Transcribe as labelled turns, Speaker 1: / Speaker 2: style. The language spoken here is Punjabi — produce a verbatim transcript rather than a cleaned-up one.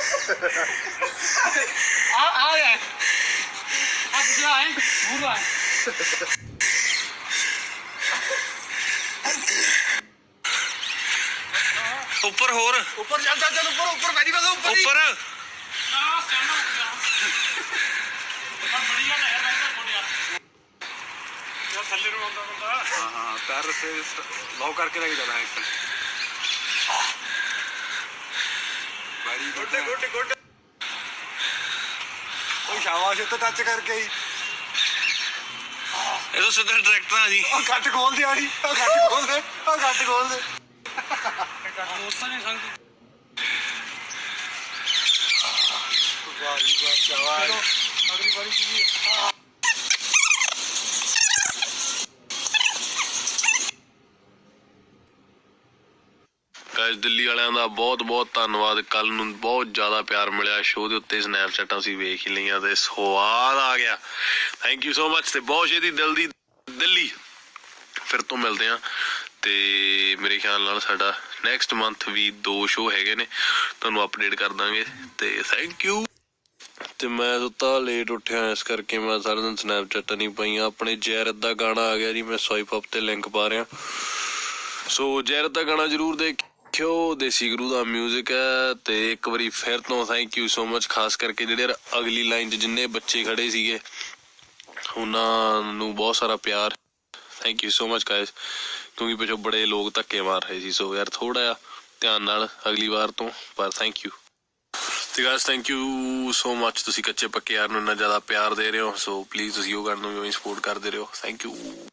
Speaker 1: आ आ गया आ दूसरा है पूरा है
Speaker 2: ऊपर होर
Speaker 1: ऊपर चल चल चल ऊपर ऊपर मेरी बात ऊपर
Speaker 2: ऊपर
Speaker 1: बड़ी गल है भाई तो छोड़ यार यार थल्ले ਨੂੰ ਆਉਂਦਾ ਬੰਦਾ
Speaker 2: हाँ हाँ पैर से लॉक करके लेके जाना है एकदम बड़ी
Speaker 1: गोटे गोटे गोटे
Speaker 2: कोई शाबाश तो टच करके ही ये तो सीधा डायरेक्टर आ जी
Speaker 1: ਉਹ ਘੱਟ ਖੋਲ ਦੇ ਆੜੀ ਉਹ ਘੱਟ ਖੋਲ ਦੇ ਉਹ ਘੱਟ ਖੋਲ ਦੇ ਦੋਸਤਾਂ ਨੇ ਸੰਗ ਵਾਹ ਜੀ ਵਾਹ ਸ਼ਾਬਾਸ਼ ਅਗਲੀ ਵਾਰੀ ਕੀ ਹੈ
Speaker 2: ਗਾਇਸ ਦਿੱਲੀ ਵਾਲਿਆਂ ਦਾ ਬਹੁਤ ਬਹੁਤ ਧੰਨਵਾਦ ਕੱਲ ਨੂੰ ਬਹੁਤ ਜ਼ਿਆਦਾ ਪਿਆਰ ਮਿਲਿਆ ਸ਼ੋਅ ਦੇ ਉੱਤੇ ਸਨੈਪਚੈਟਾਂ ਅਸੀਂ ਵੇਖ ਹੀ ਲਈਆਂ ਤੇ ਸਵਾਦ ਆ ਗਿਆ ਥੈਂਕ ਯੂ ਸੋ ਮਚ ਤੇ ਬਹੁਤ ਛੇਤੀ ਦਿਲ ਦੀ ਦਿੱਲੀ ਫਿਰ ਤੋਂ ਮਿਲਦੇ ਹਾਂ ਤੇ ਮੇਰੇ ਖਿਆਲ ਨਾਲ ਸਾਡਾ ਨੈਕਸਟ ਮੰਥ ਵੀ ਦੋ ਸ਼ੋਅ ਹੈਗੇ ਨੇ ਤੁਹਾਨੂੰ ਅਪਡੇਟ ਕਰ ਦਾਂਗੇ ਤੇ ਥੈਂਕ ਯੂ ਤੇ ਮੈਂ ਸੁੱਤਾ ਲੇਟ ਉੱਠਿਆ ਇਸ ਕਰਕੇ ਮੈਂ ਸਾਰਾ ਦਿਨ ਸਨੈਪਚੈਟਾਂ ਨਹੀਂ ਪਾਈਆਂ ਆਪਣੇ ਜੈਰਤ ਦਾ ਗਾਣਾ ਆ ਗਿਆ ਜੀ ਮੈਂ ਸਵਾਈਪ ਅਪ ਤੇ ਲਿੰਕ ਪਾ ਰਿਹਾ ਸੋ ਜੈਰਤ ਦਾ ਗਾਣਾ ਜ਼ਰੂਰ ਦੇਖਿਓ ਦੇਸੀ ਗੁਰੂ ਦਾ ਮਿਊਜ਼ਿਕ ਹੈ ਤੇ ਇੱਕ ਵਾਰੀ ਫਿਰ ਤੋਂ ਥੈਂਕ ਯੂ ਸੋ ਮਚ ਖਾਸ ਕਰਕੇ ਜਿਹੜੇ ਅਗਲੀ ਲਾਈਨ 'ਚ ਜਿੰਨੇ ਬੱਚੇ ਖੜੇ ਸੀਗੇ ਉਹਨਾਂ ਨੂੰ ਬਹੁਤ ਸਾਰਾ ਪਿਆਰ thank you so much guys ਕਿਉਂਕਿ ਪਿੱਛੋਂ ਬੜੇ ਲੋਕ ਧੱਕੇ ਮਾਰ ਰਹੇ ਸੀ ਸੋ ਯਾਰ ਥੋੜਾ ਜਿਹਾ ਧਿਆਨ ਨਾਲ ਅਗਲੀ ਵਾਰ ਤੋਂ ਪਰ ਥੈਂਕ ਯੂ ਤੇ guys thank you so much ਤੁਸੀਂ ਕੱਚੇ ਪੱਕੇ ਯਾਰ ਨੂੰ ਇੰਨਾ ਜ਼ਿਆਦਾ ਪਿਆਰ ਦੇ ਰਹੇ ਹੋ ਸੋ ਪਲੀਜ਼ ਤੁਸੀਂ ਉਹ ਕਰਨ ਨੂੰ ਵੀ ਸਪੋਰਟ ਕਰਦੇ ਰਹੋ ਥੈਂਕ ਯੂ